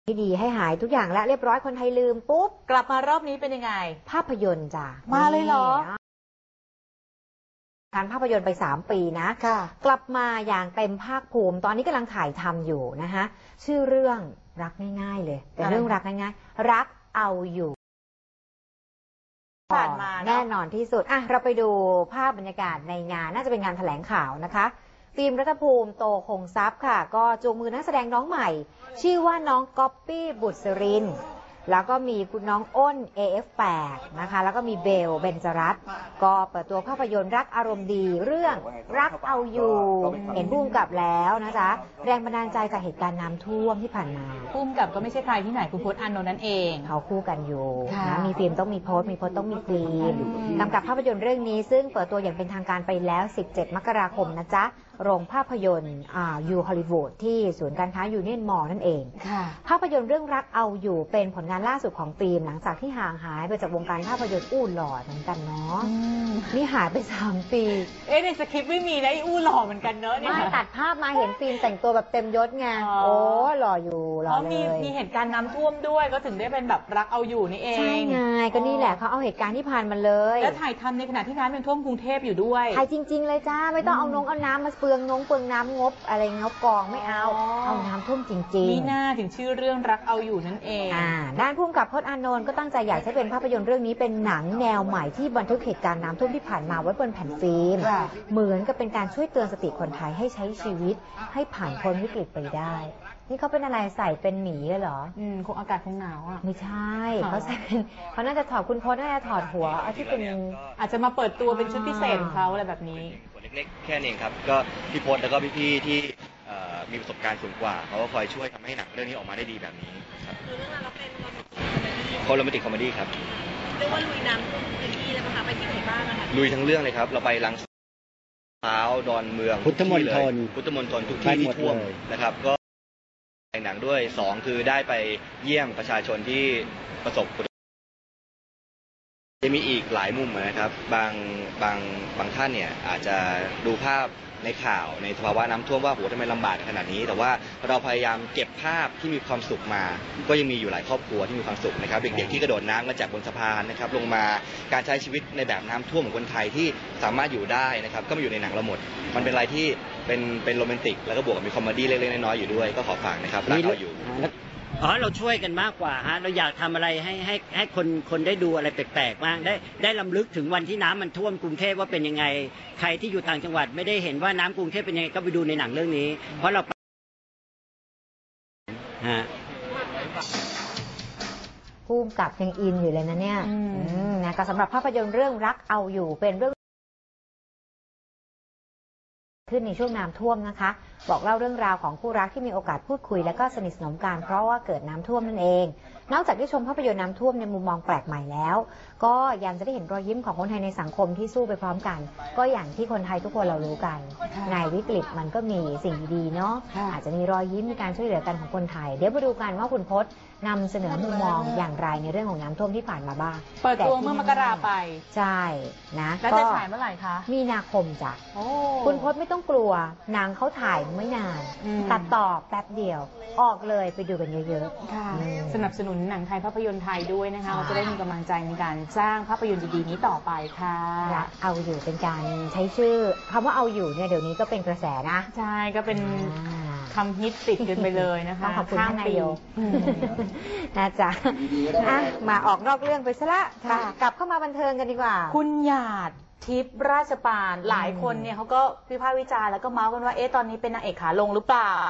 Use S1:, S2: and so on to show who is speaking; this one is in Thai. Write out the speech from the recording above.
S1: ที่ดีให้หายทุกอย่างแล้วเรียบร้อยคนไทยลืมปุ๊บ
S2: กลับมารอบนี้เป็นยังไง
S1: ภาพยนตร์จ้ะ
S2: มาเลยเหรอ
S1: การภาพยนตร์ไป3 ปีนะกลับมาอย่างเต็มภาคภูมิตอนนี้กำลังถ่ายทำอยู่นะคะชื่อเรื่องรักง่ายๆเลยเป็นเรื่องรักง่ายๆรักเอาอยู่
S2: ผ่านมา
S1: แน่นอนที่สุดเราไปดูภาพบรรยากาศในงานน่าจะเป็นงานแถลงข่าวนะคะฟิล์มรัฐภูมิโตคงทรัพย์ค่ะก็จูงมือนักแสดงน้องใหม่ชื่อว่าน้องก๊อปปี้บุษรินแล้วก็มีคุณน้องอ้น AF8 นะคะแล้วก็มีเบลเบนจรัตน์ก็เปิดตัวภาพยนตร์รักอารมณ์ดีเรื่องรักเอาอยู่เห็นพุ่มกับแล้วนะจ๊ะแรงบันดาลใจจากเหตุการณ์น้ำท่วมที่ผ่านมา
S2: พุ่มกับก็ไม่ใช่ใครที่ไหนคุณพจน์อานนท์นั่นเอง
S1: เขาคู่กันอยู่นะมีฟิล์มต้องมีโพสต์มีโพสต์ต้องมีฟิล์มกำกับภาพยนตร์เรื่องนี้ซึ่งเปิดตัวอย่างเป็นทางการไปแล้ว17 มกราคมนะจ๊ะโรงภาพยนตร์ยูฮอลลีวูดที่ศูนย์การค้ายูเนียนมอลล์นั่นเองภาพยนตร์เรื่องรักเอาอยู่เป็นผลงานล่าสุดของฟิล์มหลังจากที่ห่างหายไปจากวงการภาพยนตร์อู้หล่อเหมือนกันเนาะนี่หายไป3 ปี
S2: ในสคริปต์ไม่มีนะอู้หล่อเหมือนกันเนอะ
S1: ไม่ตัดภาพมาเห็นฟิล์มแต่งตัวแบบเต็มยศไงโอ้หล่ออยู่หล่อเลย
S2: มีเหตุการณ์น้ำท่วมด้วยก็ถึงได้เป็นแบบรักเอาอยู่นี่เอง
S1: ใช่ไงก็นี่แหละเขาเอาเหตุการณ์ที่ผ่านมาเลย
S2: แล้วถ่ายทำในขณะที่น้ำยังท่วมกรุงเทพอยู่ด้วย
S1: ถ่ายจริงๆเลยจ้าไม่ต้องเอาน้ำมาเปลืองน้ำงบอะไรงบกองไม่เอาน้ำท่วมจริงๆ
S2: นี่น่าถึงชื่อเรื่องรักเอาอยู่นั่นเอง
S1: ด้านผู้กำกับพจน์อานนท์ก็ตั้งใจอยากให้เป็นภาพยนตร์เรื่องนี้เป็นหนังแนวใหม่ที่บันทึกเหตุการณ์น้ำท่วมที่ผ่านมาไว้บนแผ่นฟิล์มเหมือนกับเป็นการช่วยเตือนสติคนไทยให้ใช้ชีวิตให้ผ่านพ้นวิกฤตไปได้นี่เขาเป็นอะไรใส่เป็นหมีเหรอ
S2: คงอากาศคงหนาวอ่ะ
S1: ไม่ใช่เขาใส่เป็นเขาน่าจะถอดคุณพจน์น่าจะถอดหัวที่เป็น
S2: อาจจะมาเปิดตัวเป็นชุดพิเศษของเขาอะไรแบบนี้
S3: เล็กๆแค่นี้ครับก็พี่พจน์แล้วก็พี่ๆที่มีประสบการณ์สูงกว่าเขาก็คอยช่วยทำให้หนังเรื่องนี้ออกมาได้ดีแบบนี้ครับ
S4: คือเรื่องเราเป็น
S3: โรแมนติกคอมเมดี้ครับ
S4: เรียกว่าลุยน้ำท่วมพื้นที่เลยนะคะไปที่ไหนบ้างนะคะ
S3: ลุยทั้งเรื่องเลยครับเราไปลังพร้าวดอนเมือง
S5: พุทธมณฑล
S3: ทุกที่ที่ท่วมนะครับก็ในหนังด้วย2คือได้ไปเยี่ยมประชาชนที่ประสบจะมีอีกหลายมุมนะครับบางท่านเนี่ยอาจจะดูภาพในข่าวในสภาวะน้ำท่วมว่าโหทำไมลำบากขนาดนี้แต่ว่าเราพยายามเก็บภาพที่มีความสุขมาก็ยังมีอยู่หลายครอบครัวที่มีความสุขนะครับเด็กๆที่กระโดดน้ำมาจากบนสะพานนะครับลงมาการใช้ชีวิตในแบบน้ำท่วมของคนไทยที่สามารถอยู่ได้นะครับก็มาอยู่ในหนังเราหมดมันเป็นอะไรที่เป็นโรแมนติกแล้วก็บวกกับมีคอมเมดี้เล็กๆน้อยๆอยู่ด้วยก็ขอฝากนะครับรักเราอยู่
S5: เราช่วยกันมากกว่าฮะเราอยากทำอะไรให้คนได้ดูอะไรแปลกๆบ้างได้รำลึกถึงวันที่น้ำมันท่วมกรุงเทพว่าเป็นยังไงใครที่อยู่ต่างจังหวัดไม่ได้เห็นว่าน้ำกรุงเทพเป็นยังไงก็ไปดูในหนังเรื่องนี้เพราะเรา
S1: ผู้กำกับยังอินอยู่เลยนะเนี่ยนะก็สำหรับภาพยนตร์เรื่องรักเอาอยู่เป็นเรื่องขึ้นในช่วงน้ำท่วมนะคะบอกเล่าเรื่องราวของคู่รักที่มีโอกาสพูดคุยและก็สนิทสนมกันเพราะว่าเกิดน้ำท่วมนั่นเองนอกจากได้ชมภาพยนตร์น้ำท่วมในมุมมองแปลกใหม่แล้วก็ยังจะได้เห็นรอยยิ้มของคนไทยในสังคมที่สู้ไปพร้อมกันก็อย่างที่คนไทยทุกคนเรารู้กันในวิกฤตมันก็มีสิ่งดีๆเนาะอาจจะมีรอยยิ้มมีการช่วยเหลือกันของคนไทยเดี๋ยวมาดูกันว่าคุณพจน์นำเสนอมุมมองอย่างไรในเรื่องของน้ำท่วมที่ผ่านมาบ้าง
S2: เปิดตัวเมื่อมกราไป
S1: ใช่นะ
S2: แล้วจะฉายเมื่อไหร่คะ
S1: มีนาคมจ้ะคุณพจน์ไม่ต้องกลัวหนังเขาถ่ายไม่นานตัดต่อแป๊บเดียวออกเลยไปดูกันเยอะ
S2: ๆค่ะสนับสนุนหนังไทยภาพยนตร์ไทยด้วยนะคะเราจะได้มีกำลังใจในการสร้างภาพยนตร์ดีๆนี้ต่อไปค่ะ
S1: เอาอยู่เป็นการใช้ชื่อคำว่าเอาอยู่เนี่ยเดี๋ยวนี้ก็เป็นกระแสนะ
S2: ใช่ก็เป็นคำฮิตติดกันไปเลยนะคะ
S1: ขอบคุณท่านนายกนะจ๊ะมาออกนอกเรื่องไปซะละกลับเข้ามาบันเทิงกันดีกว่า
S2: คุณหยาดทิพย์ราชปานหลายคนเนี่ยเขาก็วิพากษ์วิจารณ์แล้วก็เมาส์กันว่าตอนนี้เป็นนางเอกขาลงหรือเปล่า